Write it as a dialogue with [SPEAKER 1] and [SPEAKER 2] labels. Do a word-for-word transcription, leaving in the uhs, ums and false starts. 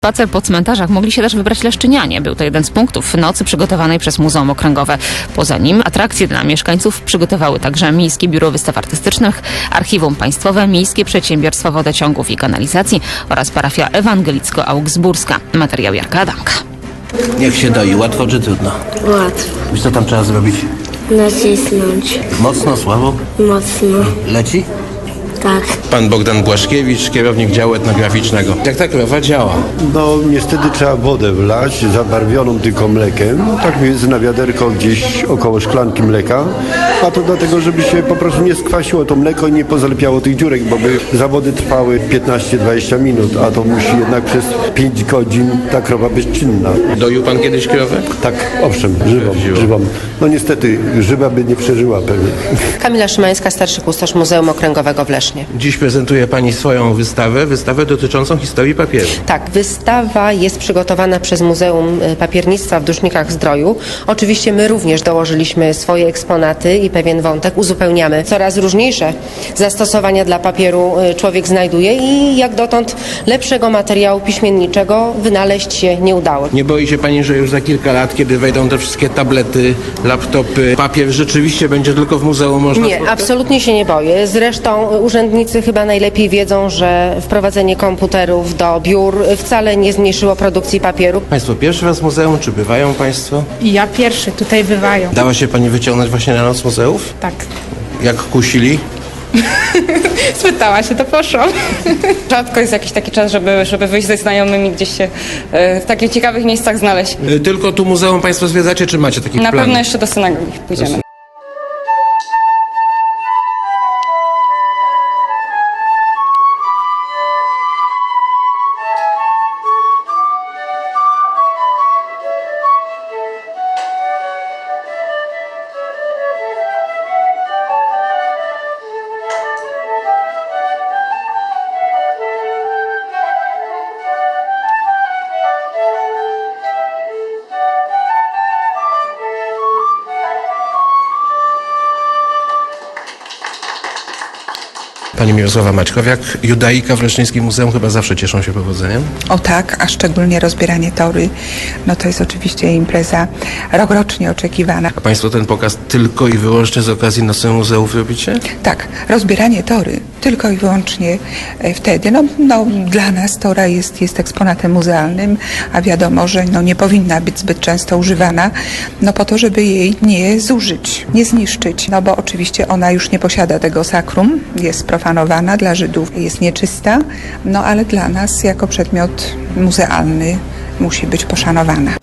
[SPEAKER 1] Spacer po cmentarzach mogli się też wybrać leszczynianie. Był to jeden z punktów nocy przygotowanej przez Muzeum Okręgowe. Poza nim atrakcje dla mieszkańców przygotowały także Miejskie Biuro Wystaw Artystycznych, Archiwum Państwowe, Miejskie Przedsiębiorstwo Wodociągów i Kanalizacji oraz parafia ewangelicko-augsburska. Materiał Jarka Adamka.
[SPEAKER 2] Jak się doi? Łatwo czy trudno?
[SPEAKER 3] Łatwo.
[SPEAKER 2] I co tam trzeba zrobić?
[SPEAKER 3] Nacisnąć.
[SPEAKER 2] Mocno, słabo?
[SPEAKER 3] Mocno.
[SPEAKER 2] Leci?
[SPEAKER 3] Tak.
[SPEAKER 2] Pan Bogdan Błaszkiewicz, kierownik działu etnograficznego. Jak ta krowa działa?
[SPEAKER 4] No niestety trzeba wodę wlać, zabarwioną tylko mlekiem, tak więc na wiaderko gdzieś około szklanki mleka, a to dlatego, żeby się po prostu nie skwasiło to mleko i nie pozalepiało tych dziurek, bo by zawody trwały piętnaście dwadzieścia minut, a to musi jednak przez pięć godzin ta krowa być czynna.
[SPEAKER 2] Doił pan kiedyś krowę?
[SPEAKER 4] Tak, owszem, żywą,
[SPEAKER 2] Żywą.
[SPEAKER 4] żywą. No niestety, żywa by nie przeżyła pewnie.
[SPEAKER 5] Kamila Szymańska, starszy kustosz Muzeum Okręgowego w Lesznie.
[SPEAKER 2] Dziś prezentuje pani swoją wystawę, wystawę dotyczącą historii papieru.
[SPEAKER 5] Tak, wystawa jest przygotowana przez Muzeum Papiernictwa w Dusznikach-Zdroju. Oczywiście my również dołożyliśmy swoje eksponaty i pewien wątek uzupełniamy. Coraz różniejsze zastosowania dla papieru człowiek znajduje i jak dotąd lepszego materiału piśmienniczego wynaleźć się nie udało.
[SPEAKER 2] Nie boi się pani, że już za kilka lat, kiedy wejdą te wszystkie tablety, laptopy, papier rzeczywiście będzie tylko w muzeum można
[SPEAKER 5] Nie,
[SPEAKER 2] spotkać?
[SPEAKER 5] absolutnie się nie boję. Zresztą urzędnicy chyba najlepiej wiedzą, że wprowadzenie komputerów do biur wcale nie zmniejszyło produkcji papieru.
[SPEAKER 2] Państwo pierwszy raz w muzeum, czy bywają państwo?
[SPEAKER 6] I ja pierwszy, tutaj bywają.
[SPEAKER 2] Dała się pani wyciągnąć właśnie na noc muzeów?
[SPEAKER 6] Tak.
[SPEAKER 2] Jak kusili?
[SPEAKER 6] Spytała się, to poszłam.
[SPEAKER 7] Rzadko jest jakiś taki czas, żeby, żeby wyjść ze znajomymi gdzieś się e, w takich ciekawych miejscach znaleźć.
[SPEAKER 2] Y, Tylko tu muzeum państwo zwiedzacie, czy macie taki
[SPEAKER 7] Na
[SPEAKER 2] plan?
[SPEAKER 7] pewno jeszcze do synagogi pójdziemy.
[SPEAKER 2] Pani Mirosława Maćkowiak, judaika w Leszczyńskim Muzeum chyba zawsze cieszą się powodzeniem.
[SPEAKER 8] O tak, a szczególnie rozbieranie tory, no to jest oczywiście impreza rokrocznie oczekiwana.
[SPEAKER 2] A państwo ten pokaz tylko i wyłącznie z okazji Nocy Muzeów robicie?
[SPEAKER 8] Tak, rozbieranie tory tylko i wyłącznie e, wtedy. No, no, dla nas tora jest, jest eksponatem muzealnym, a wiadomo, że no, nie powinna być zbyt często używana, no po to, żeby jej nie zużyć, nie zniszczyć. No bo oczywiście ona już nie posiada tego sakrum, jest profanowana, dla Żydów jest nieczysta, no ale dla nas jako przedmiot muzealny musi być poszanowana.